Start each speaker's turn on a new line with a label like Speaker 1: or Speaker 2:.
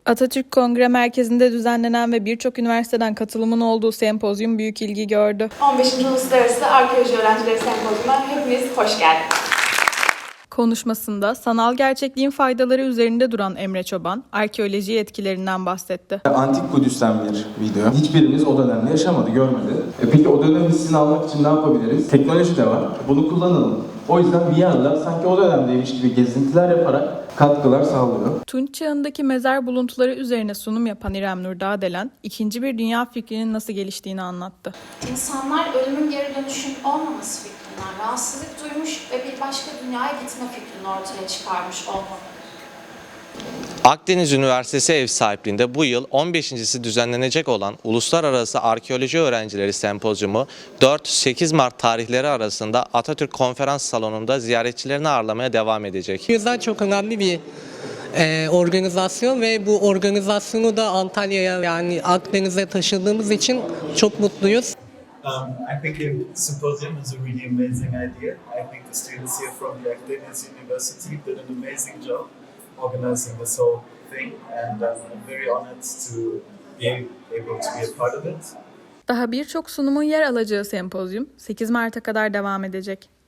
Speaker 1: Atatürk Kongre Merkezi'nde düzenlenen ve birçok üniversiteden katılımın olduğu sempozyum büyük ilgi gördü.
Speaker 2: 15. Uluslararası Arkeoloji Öğrencileri Sempozyumuna hepiniz hoş geldiniz.
Speaker 1: Konuşmasında sanal gerçekliğin faydaları üzerinde duran Emre Çoban, arkeoloji etkilerinden bahsetti.
Speaker 3: Antik Kudüs'ten bir video. Hiçbirimiz o dönemde yaşamadı, görmedi. Peki o dönem hissini almak için ne yapabiliriz? Teknoloji de var, bunu kullanalım. O yüzden bir yanda sanki o dönemdeymiş gibi gezintiler yaparak katkılar sağlıyor.
Speaker 1: Tunç çağındaki mezar buluntuları üzerine sunum yapan İrem Nur Dağdelen, ikinci bir dünya fikrinin nasıl geliştiğini anlattı.
Speaker 4: İnsanlar ölümün geri dönüşün olmaması fikrinden rahatsızlık duymuş ve bir başka dünyaya gitme fikrini ortaya çıkarmış olmalı.
Speaker 5: Akdeniz Üniversitesi ev sahipliğinde bu yıl 15.si düzenlenecek olan Uluslararası Arkeoloji Öğrencileri Sempozyumu 4-8 Mart tarihleri arasında Atatürk Konferans Salonu'nda ziyaretçilerini ağırlamaya devam edecek.
Speaker 6: O yüzden çok önemli bir organizasyon ve bu organizasyonu da Antalya'ya yani Akdeniz'e taşıdığımız için çok mutluyuz.
Speaker 7: I think the symposium is a really amazing idea. I think the students here from the Akdeniz University did an amazing job organizing this whole thing, and I'm very honored to be able to be a part of it.
Speaker 1: Daha birçok sunumun yer alacağı sempozyum 8 Mart'a kadar devam edecek.